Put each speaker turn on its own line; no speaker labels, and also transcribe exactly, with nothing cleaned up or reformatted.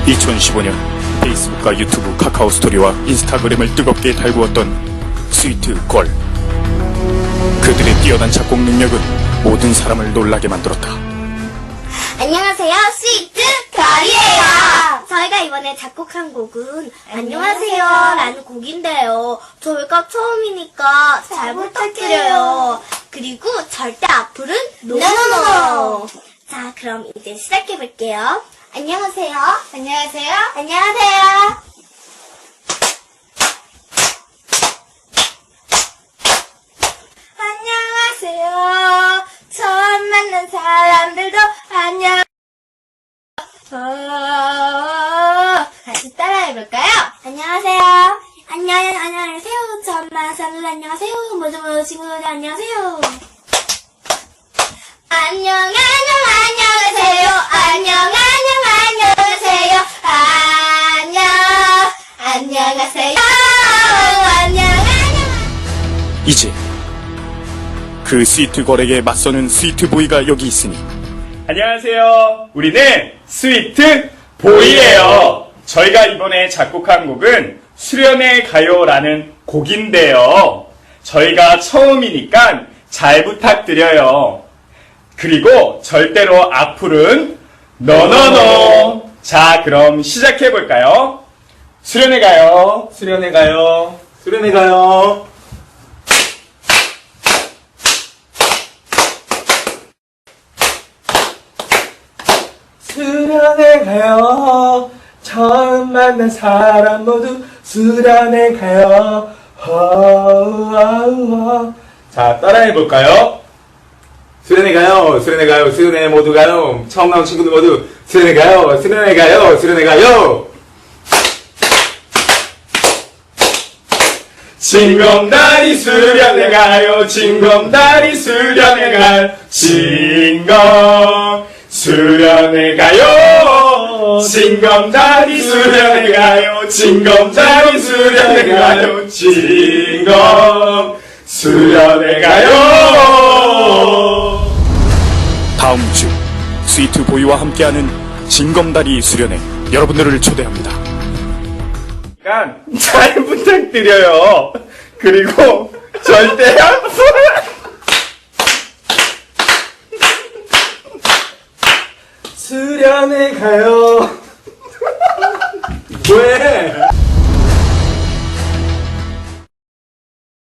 이천십오 년 페이스북과 유튜브, 카카오 스토리와 인스타그램을 뜨겁게 달구었던 스위트걸. 그들의 뛰어난 작곡 능력은 모든 사람을 놀라게 만들었다.
안녕하세요, 스위트걸이에요. 저희가 이번에 작곡한 곡은 안녕하세요 라는 곡인데요. 저희가 처음이니까 잘 부탁드려요. 그리고 절대 악플은 노노노. 자, 그럼 이제 시작해볼게요. 안녕하세요. 안녕하세요. 안녕하세요. 안녕하세요. 처음 만난 사람들도 안녕. 어... 다시 따라해볼까요? 안녕하세요. 안녕, 안녕하세요. 처음 만난 사람들 안녕하세요. 모두 모두 친구들 안녕하세요. 안녕, 안녕, 안녕하세요. 안녕, 안녕, 안녕하세요. 안녕, 안녕하세요. 안녕, 안녕.
이제 그 스위트걸에게 맞서는 스위트보이가 여기 있으니.
안녕하세요. 우리는 스위트보이예요. 저희가 이번에 작곡한 곡은 수련회 가요라는 곡인데요. 저희가 처음이니까 잘 부탁드려요. 그리고 절대로 악플은 노노노. 자, 그럼 시작해볼까요? 수련회 가요. 수련회 가요. 수련회 가요. 수련회 가요. 처음 만난 사람 모두 수련회 가요. 허허허. 자, 따라해볼까요? 수련회 가요. 수련회 가요. 수련회 모두 가요. 처음 나온 친구들 모두 수련회 가요. 수련회 가요. 수련회 가요. 징검다리 수련회 가요. 징검다리 수련회 가요. 징검 수련회 가요. 징검다리 수련회 가요. 징검다리 수련회 가요. 징검 수련회 가요.
다음 주 스위트보이와 함께하는 징검다리 수련회 여러분들을 초대합니다.
잘 부탁드려요. 그리고 절대 수련회 가요. 왜?